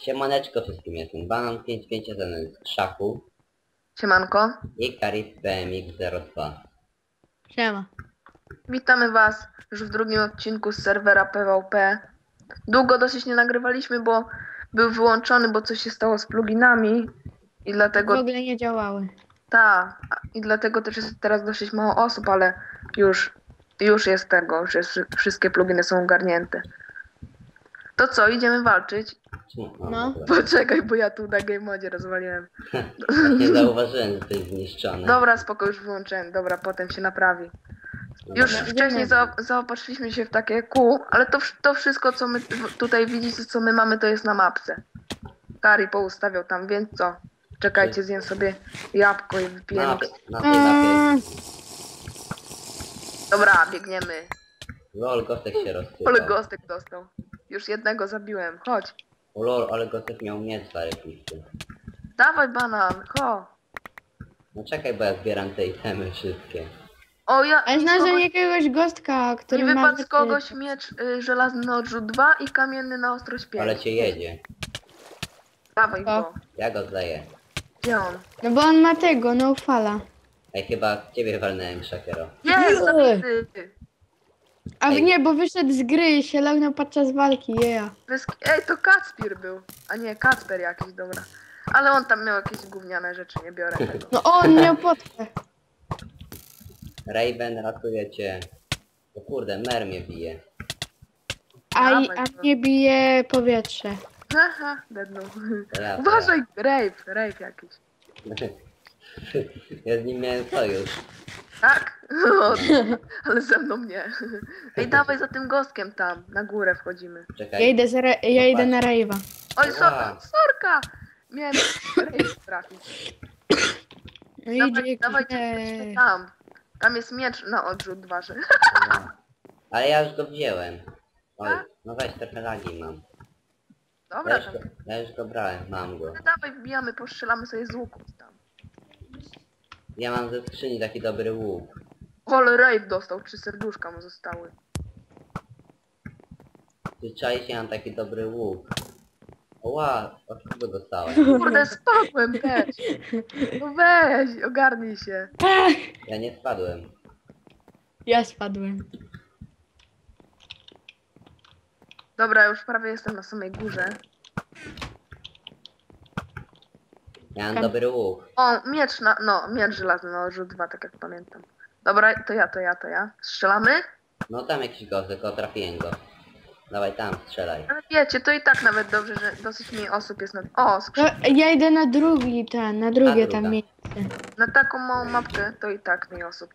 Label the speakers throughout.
Speaker 1: Siemaneczko wszystkim, jestem Banan 551 z Krzaku
Speaker 2: Siemanko,
Speaker 1: i Karif BMX02.
Speaker 3: Siema.
Speaker 2: witamy was już w drugim odcinku z serwera PvP. Długo dosyć nie nagrywaliśmy, bo był wyłączony, bo coś się stało z pluginami i
Speaker 3: W
Speaker 2: dlatego
Speaker 3: ogóle nie działały.
Speaker 2: i dlatego też jest teraz dosyć mało osób, ale już jest tego, już jest, wszystkie pluginy są ogarnięte. To co, idziemy walczyć?
Speaker 3: No.
Speaker 1: Dobra.
Speaker 2: Poczekaj, bo ja tu na game modzie rozwaliłem.
Speaker 1: Nie zauważyłem, że to jest zniszczone.
Speaker 2: Dobra, spoko, już wyłączyłem. Dobra, potem się naprawi. Już
Speaker 1: Dobra.
Speaker 2: wcześniej zaopatrzyliśmy się w takie kół, ale to wszystko, co my tutaj widzicie, co my mamy, to jest na mapce. Kari poustawiał tam, więc co? Czekajcie, zjem sobie jabłko i wypiję.
Speaker 1: Na tej mapie.
Speaker 2: Dobra, biegniemy.
Speaker 1: Lol, Gostek się rozsypał.
Speaker 2: Ale gostek dostał. Już jednego zabiłem. Chodź.
Speaker 1: O lol, ale Gostek miał miecz zarypisty.
Speaker 2: Dawaj banan, ho.
Speaker 1: No czekaj, bo ja zbieram te itemy wszystkie.
Speaker 2: O, ja...
Speaker 3: Ale znalazłem jakiegoś gostka,
Speaker 2: Mi
Speaker 3: który ma...
Speaker 2: wypadł z kogoś miecz żelazny na odrzut 2 i kamienny na ostrość 5.
Speaker 1: Ale cię jedzie.
Speaker 2: Dawaj go.
Speaker 1: Ja go zleję.
Speaker 2: Gdzie on?
Speaker 3: No bo on ma tego, no fala.
Speaker 1: Ej, chyba ciebie walnąłem, Szakero.
Speaker 2: Jest, zabity.
Speaker 3: A
Speaker 1: Ej.
Speaker 3: nie, bo wyszedł z gry i się lognął podczas walki,
Speaker 2: Ej, to Kacpir był. A nie, Kacper jakiś, dobra. Ale on tam miał jakieś gówniane rzeczy, nie biorę tego.
Speaker 3: No on miał potkę.
Speaker 1: Raven, ratuje cię. O kurde, mer mnie bije.
Speaker 3: A mnie bije powietrze.
Speaker 2: Haha, dednął.
Speaker 1: To ja,
Speaker 2: Uważaj, rape jakiś.
Speaker 1: Ja z nim miałem sojusz.
Speaker 2: Tak? O, ale ze mną nie. Ej, dawaj za tym gostkiem tam, na górę wchodzimy.
Speaker 1: Czekaj.
Speaker 3: Ja idę na rave'a.
Speaker 2: Oj,
Speaker 1: Wow.
Speaker 2: sorka! Miałem rape trafić.
Speaker 3: No idzie
Speaker 2: Dawaj,
Speaker 3: jakiś...
Speaker 2: dawajcie tam. Tam jest miecz na odrzut 2.
Speaker 1: No. Ale ja już go wziąłem. Oj,
Speaker 2: Tak?
Speaker 1: no weź, trochę lagi mam.
Speaker 2: Dobra, tam.
Speaker 1: Ja już go brałem, mam go.
Speaker 2: Dawaj, wbijamy, postrzelamy sobie z łuku tam.
Speaker 1: Ja mam ze skrzyni taki dobry łuk.
Speaker 2: Ale rape dostał, 3 serduszka mu zostały.
Speaker 1: Zwyczajnie ja mam taki dobry łuk. Ła, od kogo dostałem?
Speaker 2: Kurde, spadłem też. No weź, ogarnij się.
Speaker 1: Ja nie spadłem.
Speaker 3: Ja spadłem.
Speaker 2: Dobra, już prawie jestem na samej górze.
Speaker 1: Ja mam dobry łuk.
Speaker 2: O, miecz żelazny na odrzut 2, tak jak pamiętam. Dobra, to ja. Strzelamy?
Speaker 1: No tam jakiś gostek, tylko trafiłem go. Dawaj tam, strzelaj.
Speaker 2: Ale wiecie, to i tak nawet dobrze, że dosyć mniej osób jest na... O,
Speaker 3: No, ja idę na drugie
Speaker 1: druga.
Speaker 3: tam miejsce.
Speaker 2: na taką małą mapkę to i tak mniej osób.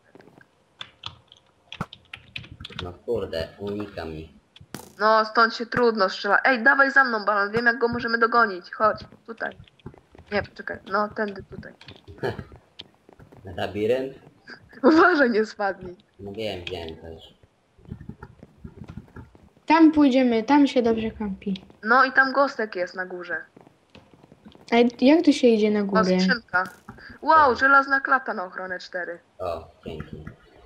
Speaker 1: No kurde, unika mi.
Speaker 2: No, stąd się trudno strzela. Ej, dawaj za mną, balon, wiem jak go możemy dogonić. Chodź, tutaj. Nie, poczekaj, no, tędy tutaj.
Speaker 1: Labirynt?
Speaker 2: Uważaj, nie spadnij.
Speaker 1: No wiem też.
Speaker 3: Tam pójdziemy, tam się dobrze kampi.
Speaker 2: No i tam gostek jest na górze.
Speaker 3: A jak tu się idzie na
Speaker 2: O,
Speaker 3: górę?
Speaker 2: skrzynka. Wow, żelazna klata na ochronę 4.
Speaker 1: O, dzięki.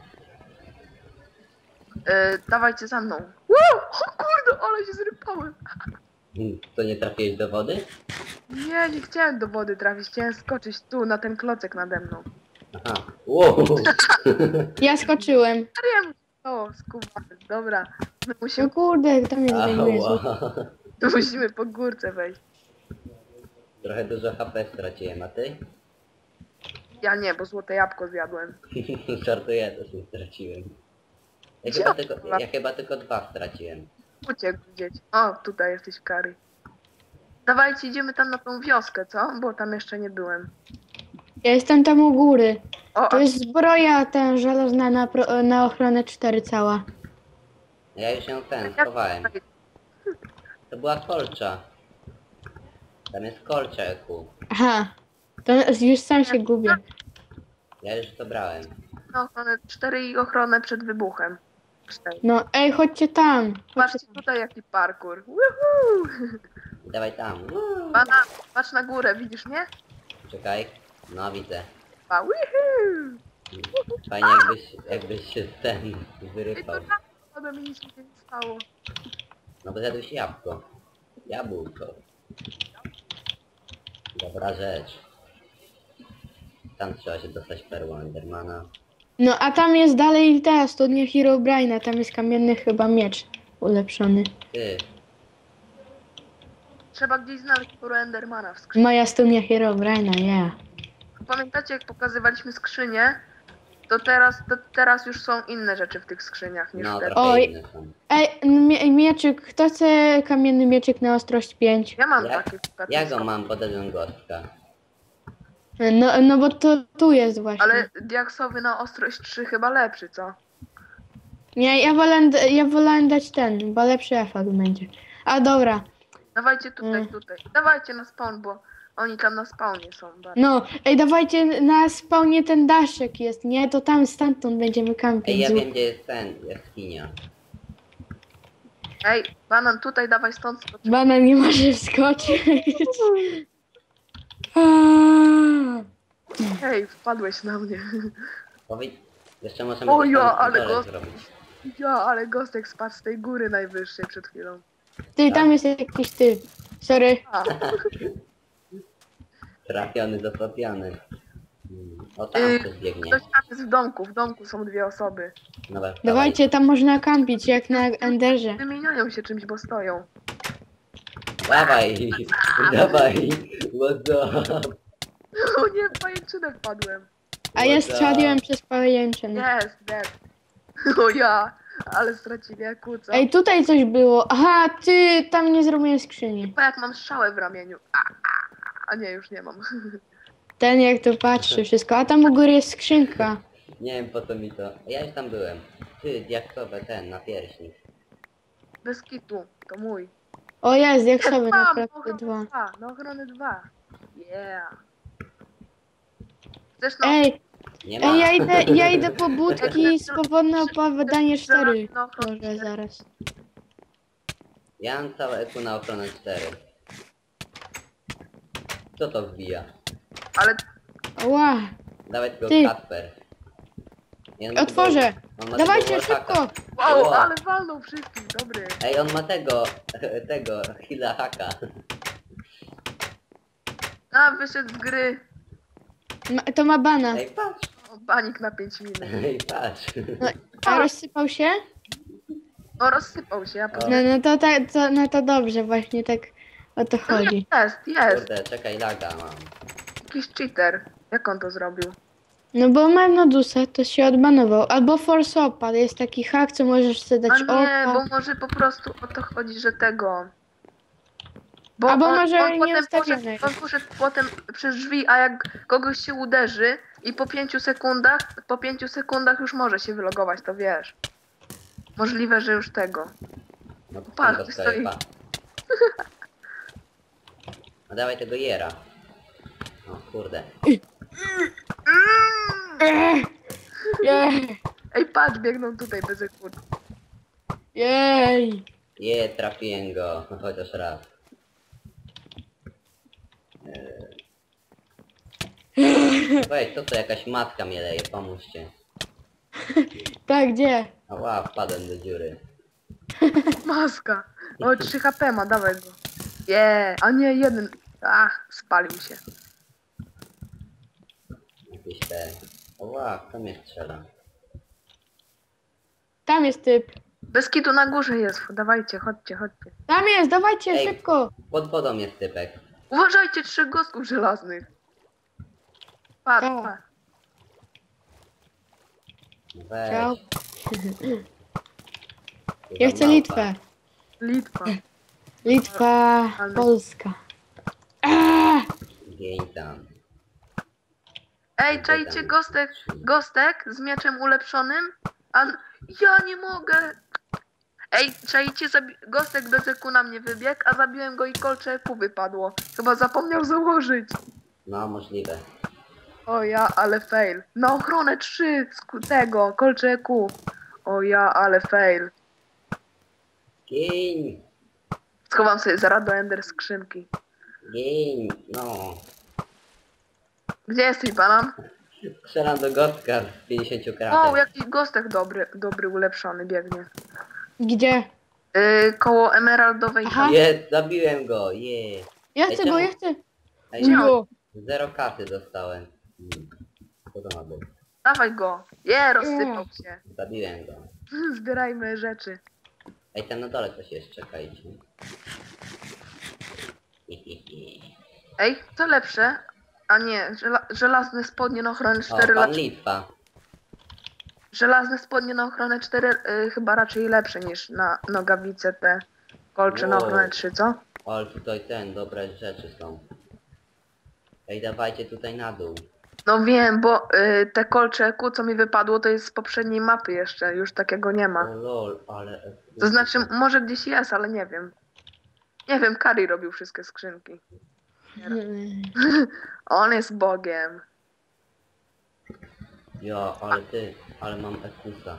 Speaker 2: Dawajcie za mną. Wow, o kurde, ale się zrypałem.
Speaker 1: To nie trafiłeś do wody?
Speaker 2: Nie chciałem do wody trafić, chciałem skoczyć tu, na ten klocek nade mną.
Speaker 1: Aha. Wow.
Speaker 3: Ja skoczyłem.
Speaker 2: Serio? O, skubany, dobra. My
Speaker 3: No
Speaker 2: musimy,
Speaker 3: kurde, tam mnie zajmuje.
Speaker 2: musimy po górce wejść.
Speaker 1: Trochę dużo HP straciłem, a ty?
Speaker 2: Ja nie, bo złote jabłko zjadłem.
Speaker 1: Żartuję, też nie straciłem.
Speaker 2: Gdzie?
Speaker 1: Ja chyba tylko 2 straciłem.
Speaker 2: Uciekł gdzieś. O, tutaj jesteś, Kari. Dawajcie, idziemy tam na tą wioskę, co? Bo tam jeszcze nie byłem.
Speaker 3: Ja jestem tam u góry.
Speaker 2: O,
Speaker 3: To jest zbroja ten żelazna na ochronę 4 cała.
Speaker 1: Ja już ją
Speaker 2: jak-
Speaker 1: schowałem. To była kolcza. Tam jest kolcza, Eku.
Speaker 3: Aha. To już sam się gubię.
Speaker 1: Ja już to brałem.
Speaker 2: Na ochronę 4 i ochronę przed wybuchem. 4.
Speaker 3: No ej, chodźcie tam.
Speaker 2: Patrzcie tutaj jaki parkour. Woohoo!
Speaker 1: Dawaj tam.
Speaker 2: Bana, patrz na górę, widzisz mnie?
Speaker 1: Czekaj. No widzę.
Speaker 2: Pa, woohoo!
Speaker 1: Fajnie jakbyś się ten
Speaker 2: Ej,
Speaker 1: wyrypał.
Speaker 2: to tak, ode mnie nic się nie stało.
Speaker 1: No bo zjadłeś jabłko. Jabłko. Dobra rzecz. Tam trzeba się dostać perłą Endermana.
Speaker 3: No a tam jest dalej ta studnia Herobrine'a, tam jest kamienny chyba miecz ulepszony.
Speaker 1: Ty,
Speaker 2: Trzeba gdzieś znaleźć sporo Endermana w skrzyni.
Speaker 3: Moja studnia Herobrine'a, yeah.
Speaker 2: Pamiętacie, jak pokazywaliśmy skrzynię? To teraz już są inne rzeczy w tych skrzyniach niż
Speaker 1: no
Speaker 2: wtedy.
Speaker 1: trochę
Speaker 3: Oj.
Speaker 1: inne są.
Speaker 3: Ej, mieczyk, kto chce kamienny mieczyk na ostrość 5?
Speaker 2: Ja mam
Speaker 1: Ja-
Speaker 2: takie
Speaker 1: Ja go mam, podałem gostka.
Speaker 3: No bo to tu jest właśnie.
Speaker 2: Ale diaksowy na ostrość 3 chyba lepszy, co?
Speaker 3: Nie, ja wolałem dać ten, bo lepszy efekt będzie. A dobra,
Speaker 2: Dawajcie tutaj,
Speaker 3: Mm.
Speaker 2: tutaj. Dawajcie na spawn, bo oni tam na spawnie są bardzo.
Speaker 3: no, ej, dawajcie na spawnie ten daszek jest, nie? To tam stamtąd będziemy
Speaker 1: Ej,
Speaker 3: kampić.
Speaker 1: ja wiem gdzie jest ten, jaskinia.
Speaker 2: Ej, banan, tutaj dawaj stąd skocz.
Speaker 3: Banan nie może wskoczyć. Aaa.
Speaker 2: Hej, wpadłeś na mnie.
Speaker 1: Powiedz, jeszcze możemy
Speaker 2: O ja,
Speaker 1: tam
Speaker 2: ale
Speaker 1: dole
Speaker 2: go-
Speaker 1: zrobić.
Speaker 2: Ja, ale Gostek spadł z tej góry najwyższej przed chwilą.
Speaker 3: Ty, tam jest jakiś typ. Sorry.
Speaker 2: A,
Speaker 1: Trafiony, zatopiony. O tam ktoś biegnie.
Speaker 2: ktoś tam jest w domku są 2 osoby.
Speaker 1: Dobra,
Speaker 3: Dawajcie, tam można kampić, jak na Enderze.
Speaker 2: Wymieniają się czymś, bo stoją.
Speaker 1: Dawaj, dawaj, what's up?
Speaker 2: O nie, w pajęczynę wpadłem.
Speaker 3: A ja
Speaker 1: What
Speaker 3: strzeliłem przez pajęczynę.
Speaker 2: Jest, dead. O ja, ale stracili jak kłóca.
Speaker 3: Ej, tutaj coś było. Aha, ty, tam nie zrobiłem skrzyni.
Speaker 2: Chyba jak mam strzałę w ramieniu. A nie, już nie mam.
Speaker 3: Ten jak to patrzy wszystko. A tam u góry jest skrzynka.
Speaker 1: Nie wiem po co mi to. Ja już tam byłem. Ty, diaksowe ten, na pierśnik.
Speaker 2: Bez kitu, to mój.
Speaker 3: O jest, jak sobie
Speaker 2: Mam,
Speaker 3: naprawdę 2.
Speaker 2: Na ochronę 2. Yeah. Chcesz no?
Speaker 3: Ej,
Speaker 1: Nie ma.
Speaker 3: ej, ja idę po budki, swobodne opowiadanie 4.
Speaker 2: Na ochronę
Speaker 3: Może
Speaker 2: 4.
Speaker 3: zaraz.
Speaker 1: Ja mam całe eku na ochronę 4. Kto to wbija?
Speaker 2: Ale
Speaker 3: Ła,
Speaker 1: Dawaj tego
Speaker 3: Ty.
Speaker 1: Kasper. Ja mam
Speaker 3: otworzę.
Speaker 1: tego- on ma
Speaker 3: Dawajcie
Speaker 1: tego Warhacka.
Speaker 3: szybko.
Speaker 2: wow,
Speaker 1: Ło.
Speaker 2: ale walnął wszystkich, dobry.
Speaker 1: Ej, on ma tego Hila Haka.
Speaker 2: A, wyszedł z gry.
Speaker 3: To ma bana.
Speaker 1: Ej, patrz.
Speaker 2: O, banik na 5 minut.
Speaker 1: Ej, patrz.
Speaker 3: No, a rozsypał się?
Speaker 2: O, rozsypał się, ja
Speaker 1: O.
Speaker 3: No to dobrze, właśnie tak o to chodzi.
Speaker 2: Jest.
Speaker 1: Kurde, czekaj, laga mam.
Speaker 2: Jakiś cheater. Jak on to zrobił?
Speaker 3: No bo mam Nodusa, to się odbanował. Albo Force Opa, jest taki hack, co możesz sobie
Speaker 2: A
Speaker 3: dać
Speaker 2: nie,
Speaker 3: opa.
Speaker 2: bo może po prostu o to chodzi, że tego. Bo
Speaker 3: Albo może
Speaker 2: on potem
Speaker 3: nieustawione
Speaker 2: poszedł, on poszedł potem przez drzwi, a jak kogoś się uderzy i po 5 sekundach już może się wylogować, to wiesz. Możliwe, że już tego.
Speaker 1: No to
Speaker 2: Patrz,
Speaker 1: tam go
Speaker 2: stoi.
Speaker 1: sklepa. No dawaj tego Jera. O kurde.
Speaker 3: Jej,
Speaker 2: Ej, patrz, biegną tutaj bez ekut.
Speaker 3: jej.
Speaker 1: Trafiłem go. No chociaż raz. Weź, to jakaś matka mnie leje, pomóżcie.
Speaker 3: Tak, gdzie?
Speaker 1: Ała, wpadłem do dziury.
Speaker 2: Maska. O, 3 HP ma, dawaj go. A nie, 1. Ach, spalił się.
Speaker 1: Jakieś te... Ała, kto mnie strzela?
Speaker 3: Tam jest typ.
Speaker 2: Bez kitu na górze jest, dawajcie, chodźcie.
Speaker 3: Tam jest, dawajcie,
Speaker 1: Ej.
Speaker 3: szybko.
Speaker 1: Pod wodą jest typek.
Speaker 2: Uważajcie, 3 gostów żelaznych. Patrz,
Speaker 3: O.
Speaker 2: patrz.
Speaker 1: Weź.
Speaker 3: Ciao.
Speaker 1: Chyba
Speaker 3: Ja chcę
Speaker 1: małpa.
Speaker 3: Litwę.
Speaker 2: Litwa.
Speaker 3: Litwa, Polska. Aaa!
Speaker 1: Gień tam.
Speaker 2: Ej, czajcie gostek z mieczem ulepszonym? Ja nie mogę! Ej, czajcie, gostek bez eku na mnie wybiegł, a zabiłem go i kolcze eku wypadło. Chyba zapomniał założyć.
Speaker 1: No, możliwe.
Speaker 2: O ja, ale fail. Na ochronę 3 z tego, kolcze eku. O ja, ale fail.
Speaker 1: Gień!
Speaker 2: Schowam sobie zaraz do ender skrzynki.
Speaker 1: Gień! No.
Speaker 2: Gdzie jesteś, banan?
Speaker 1: Strzelam do gostka z 50
Speaker 2: O,
Speaker 1: kratek.
Speaker 2: jakiś gostek dobry, ulepszony biegnie.
Speaker 3: Gdzie?
Speaker 2: Koło emeraldowej
Speaker 3: Aha.
Speaker 1: Jest, zabiłem go, je.
Speaker 3: Ja
Speaker 1: Ej,
Speaker 3: chcę go,
Speaker 1: czemu-
Speaker 3: ja chcę.
Speaker 1: Ej,
Speaker 3: Jo.
Speaker 1: 0 kasy dostałem. Co to ma być?
Speaker 2: Dawaj go. Rozsypał się.
Speaker 1: Zabiłem go.
Speaker 2: Zbierajmy rzeczy.
Speaker 1: Ej, tam na dole coś jest, czekajcie.
Speaker 2: Ej, co lepsze? A nie, żelazne spodnie na ochronę
Speaker 1: O,
Speaker 2: 4
Speaker 1: pan
Speaker 2: lat.
Speaker 1: Litwa.
Speaker 2: Żelazne spodnie na ochronę 4 chyba raczej lepsze niż na nogawice te kolcze na
Speaker 1: Wow.
Speaker 2: ochronę 3, co?
Speaker 1: Ale tutaj dobre rzeczy są. Ej, dawajcie tutaj na dół.
Speaker 2: No wiem, bo te kolcze ku, co mi wypadło, to jest z poprzedniej mapy jeszcze. Już takiego nie
Speaker 1: O
Speaker 2: ma.
Speaker 1: lol, ale...
Speaker 2: To znaczy, może gdzieś jest, ale nie wiem. Nie wiem, Kari robił wszystkie skrzynki. On jest Bogiem.
Speaker 1: Jo, ale ale mam Ekusa.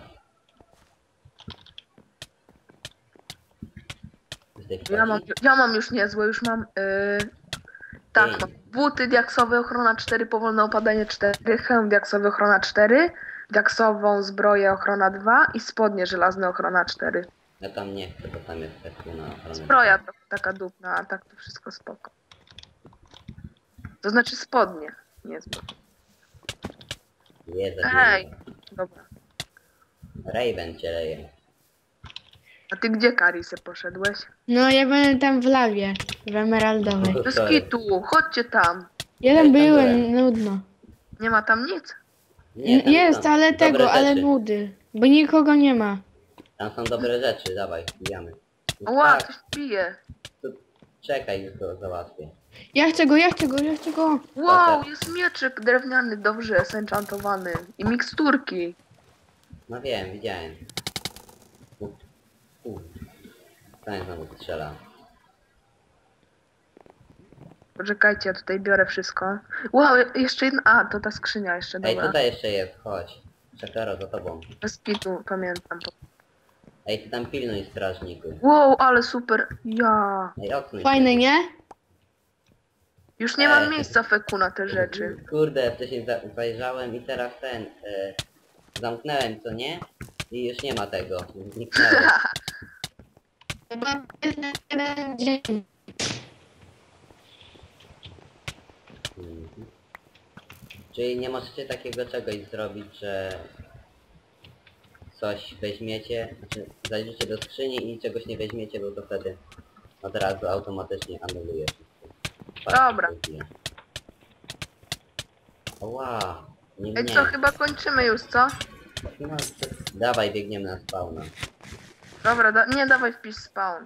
Speaker 2: Ja mam już niezłe, już mam... tak,
Speaker 1: Ej.
Speaker 2: mam buty diaksowe, ochrona 4, powolne opadanie 4, hełm diaksowy, ochrona 4, diaksową zbroję, ochrona 2 i spodnie żelazne, ochrona 4.
Speaker 1: Ja tam nie chcę, bo tam jest Eku na ochronę.
Speaker 2: Zbroja trochę taka dupna, a tak to wszystko spoko. To znaczy spodnie, nie zbroja.
Speaker 1: Jest
Speaker 2: Ej! Dobra.
Speaker 1: Raven cię leje.
Speaker 2: A ty gdzie, Karisy, poszedłeś?
Speaker 3: No ja będę tam w lawie, w emeraldowej.
Speaker 2: Do skitu, chodźcie tam.
Speaker 3: Ja tam
Speaker 1: tam
Speaker 3: byłem,
Speaker 1: byłem.
Speaker 3: nudno.
Speaker 2: Nie ma tam nic.
Speaker 1: Nie, tam
Speaker 3: Jest,
Speaker 1: są
Speaker 3: ale
Speaker 1: dobre
Speaker 3: tego, ale
Speaker 1: rzeczy.
Speaker 3: nudy. Bo nikogo nie ma.
Speaker 1: Tam są dobre rzeczy, dawaj, wbijamy.
Speaker 2: Ła,
Speaker 1: Tak,
Speaker 2: coś pije.
Speaker 1: to czekaj, już go załatwię.
Speaker 3: Ja chcę go, ja chcę go, ja chcę go.
Speaker 2: Wow, jest mieczyk drewniany, dobrze zenchantowany. I miksturki.
Speaker 1: No wiem, widziałem. Ten znowu strzela.
Speaker 2: Poczekajcie, ja tutaj biorę wszystko. Wow, jeszcze jedna. A, to ta skrzynia jeszcze,
Speaker 1: Ej,
Speaker 2: dobra.
Speaker 1: tutaj jeszcze jest, chodź. Czekaro za tobą.
Speaker 2: Bez kitu, pamiętam.
Speaker 1: Ej, ty tam pilnuj strażniku.
Speaker 2: Wow, ale super. Ja.
Speaker 1: Ej, odsuń
Speaker 3: Fajne,
Speaker 1: się.
Speaker 3: nie?
Speaker 2: Już nie mam miejsca feku na te rzeczy.
Speaker 1: Kurde, wcześniej zajrzałem i teraz zamknąłem, co nie? I już nie ma tego. Zniknęło.
Speaker 3: Chyba jeden dzień.
Speaker 1: Mhm. Czyli nie możecie takiego czegoś zrobić, że coś weźmiecie, znaczy zajrzycie do skrzyni i czegoś nie weźmiecie, bo to wtedy od razu automatycznie anuluje wszystko.
Speaker 2: Dobra.
Speaker 1: Ła, nie
Speaker 2: Ej,
Speaker 1: mnie.
Speaker 2: co, chyba kończymy już, co?
Speaker 1: No, dawaj, biegniemy na spawna.
Speaker 2: Dobra, nie, dawaj wpisz spawn.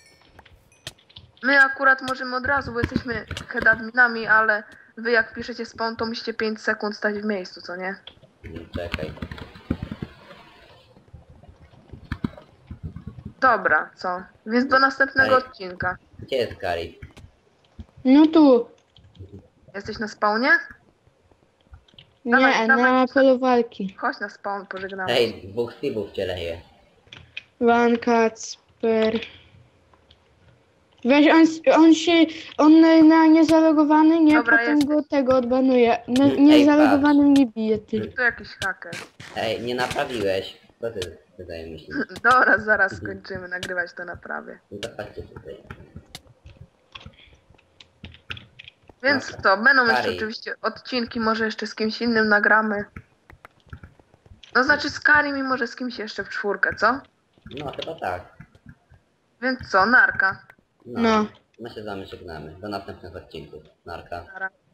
Speaker 2: My akurat możemy od razu, bo jesteśmy headadminami, ale wy jak piszecie spawn, to musicie 5 sekund stać w miejscu, co nie?
Speaker 1: Czekaj.
Speaker 2: Dobra, co? Więc do następnego
Speaker 1: Ej.
Speaker 2: odcinka.
Speaker 1: Gdzie jest Kari?
Speaker 3: No tu.
Speaker 2: Jesteś na spawnie?
Speaker 3: Nie,
Speaker 2: Dawaj,
Speaker 3: na
Speaker 2: dawaj.
Speaker 3: polu walki.
Speaker 2: Chodź na spawn, pożegnamy.
Speaker 1: Ej, dwóch Steve'ów cię leje.
Speaker 3: Van Kacper. Weź, on na niezalogowany, nie,
Speaker 2: Dobra,
Speaker 3: potem
Speaker 2: jesteś.
Speaker 3: go tego odbanuje.
Speaker 1: Ej,
Speaker 3: Niezalogowanym nie bije, ty.
Speaker 2: To jakiś haker.
Speaker 1: Ej, nie naprawiłeś. Co ty tutaj myślisz?
Speaker 2: Dobra, zaraz skończymy nagrywać to naprawię.
Speaker 1: No to chodźcie tutaj.
Speaker 2: Więc
Speaker 1: Dobra.
Speaker 2: to, będą jeszcze
Speaker 1: Kari.
Speaker 2: oczywiście odcinki, może jeszcze z kimś innym nagramy. No znaczy z Karim i może z kimś jeszcze w czwórkę, co?
Speaker 1: No chyba tak.
Speaker 2: Więc co, narka.
Speaker 1: No.
Speaker 3: No.
Speaker 1: My się z wami żegnamy. Do następnych odcinków. Narka.
Speaker 2: Nara.